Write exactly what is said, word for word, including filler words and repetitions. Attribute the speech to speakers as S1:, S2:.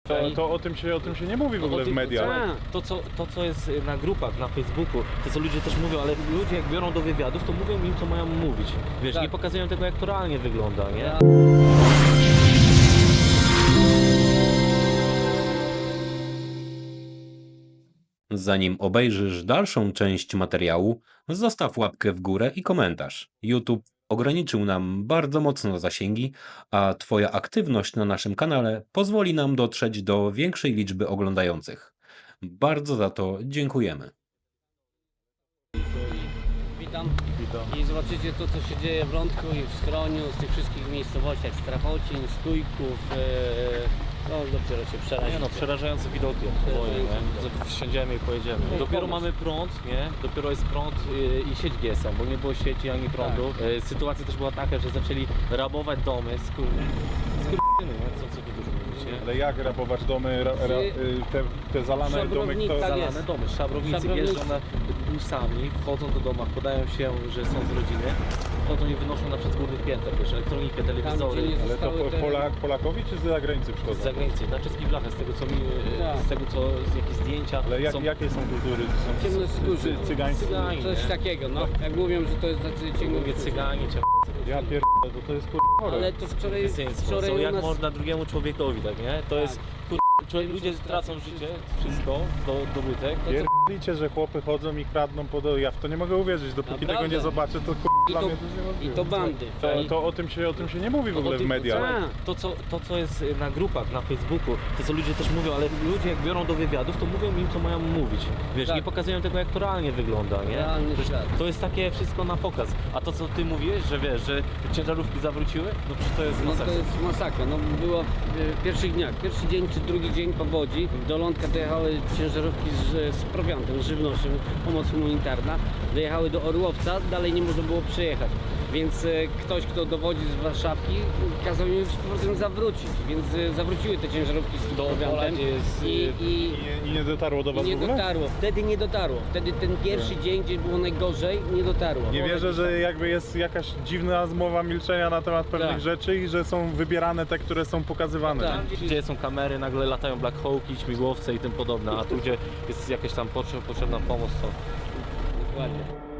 S1: To, to o, tym się, o tym się nie mówi w ogóle w mediach.
S2: To co, to, co jest na grupach, na Facebooku, to co ludzie też mówią, ale ludzie jak biorą do wywiadów, to mówią im, co mają mówić. Wiesz,
S3: Tak.
S2: nie pokazują tego, jak to realnie wygląda, nie?
S4: Zanim obejrzysz dalszą część materiału, zostaw łapkę w górę i komentarz. YouTube ograniczył nam bardzo mocno zasięgi, a Twoja aktywność na naszym kanale pozwoli nam dotrzeć do większej liczby oglądających. Bardzo za to dziękujemy.
S3: Witam. I zobaczycie to, co się dzieje w Lądku i w Skroniu, z tych wszystkich miejscowościach, Strachocin, Stójków. Yy, no dopiero się
S2: Nie
S3: przerazicie.
S2: no, przerażające widoki, boję, nie? Wsiądziemy i pojedziemy.
S3: No,
S2: Dopiero
S3: pomysł.
S2: mamy prąd, nie? Dopiero jest prąd yy, i sieć G S M, bo nie było sieci ani prądu. Yy, sytuacja też była taka, że zaczęli rabować domy, skur... skurczyny, nie? Co, co tu dużo mówić, nie?
S1: Ale jak rabować domy, ra, ra, y, te, te zalane domy,
S3: Szabrownik,
S1: kto...
S3: tak
S2: Zalane
S3: jest.
S2: domy, szabrownicy
S3: Szabrownicy.
S2: jeżdżą na busami, wchodzą do domach, podają się, że są z rodziny, wchodzą i wynoszą na przykład z górnych pięter, wiesz, elektronikę, telewizory.
S3: gdzie nie
S1: Ale to
S3: zostały
S1: po,
S3: te-
S1: Polak, Polakowi czy z zagranicy
S2: Z
S1: przychodzą?
S2: zagranicy, na czeskich blachach, z tego co mi,
S3: Tak.
S2: z tego co, z jakieś zdjęcia
S1: Ale jak,
S2: są.
S1: jakie są kultury? Są
S3: Ciemnoskórzy.
S1: cy, cygańscy?
S2: Cyganie.
S3: Coś takiego, no. Jak mówią, że to jest tacy
S2: Mówię
S3: ciemnoskórzy.
S2: cyganie, cię
S1: Ja pierdolę, to, to jest kur... chore.
S3: Ale to wczoraj,
S2: Wczoraj
S3: wczoraj
S2: są
S3: u
S2: jak
S3: nas...
S2: można drugiemu człowiekowi, tak nie? To
S3: Tak.
S2: jest, kur... człowiek, ludzie tracą życie, wszystko, do, dobytek.
S1: Pierdolicie, że chłopy chodzą i kradną pod... Ja w to nie mogę uwierzyć, dopóki
S3: Naprawdę?
S1: tego nie zobaczę, to kur...
S3: I
S1: dla
S3: to,
S1: mnie to jest
S3: I
S1: niemożliwe.
S3: to bandy.
S1: To,
S3: tak?
S1: to o, tym się, o tym się nie mówi w ogóle w mediach.
S3: Tak.
S2: To co, to, co jest na grupach, na Facebooku, to co ludzie też mówią, ale ludzie jak biorą do wywiadów, to mówią im, co mają mówić. Wiesz,
S3: Tak.
S2: nie pokazują tego, jak to realnie wygląda, nie?
S3: Realny
S2: Wiesz,
S3: świat.
S2: to jest takie wszystko na pokaz. A to, co ty mówiłeś, że wiesz, że ciężarówki zawróciły, no przecież to jest
S3: No
S2: masakra.
S3: to jest masakra. No było w pierwszych dniach, pierwszy dzień czy drugi dzień powodzi. Do Lądka dojechały ciężarówki z, z prowiantem, z żywnością, pomoc humanitarna. Dojechały do Orłowca, dalej nie można było przejechać. Więc e, ktoś, kto dowodzi z Warszawki, kazał im z powrotem zawrócić. Więc e, zawróciły te ciężarówki z
S2: Do
S3: prowiantem
S2: Opola, gdzie jest,
S3: i,
S2: y,
S3: i,
S1: I nie, I nie dotarło do
S3: i
S1: was
S3: nie
S1: w ogóle?
S3: dotarło. Wtedy nie dotarło. Wtedy ten pierwszy dzień, gdzie było najgorzej, nie dotarło.
S1: Nie wierzę, że jakby jest jakaś dziwna zmowa milczenia na temat pewnych
S3: Tak.
S1: rzeczy i że są wybierane te, które są pokazywane.
S3: Tak.
S2: Gdzie są kamery, nagle latają Black Hawki, śmigłowce i tym podobne, a tu gdzie jest jakaś tam potrze- potrzebna pomoc, to
S3: Dokładnie.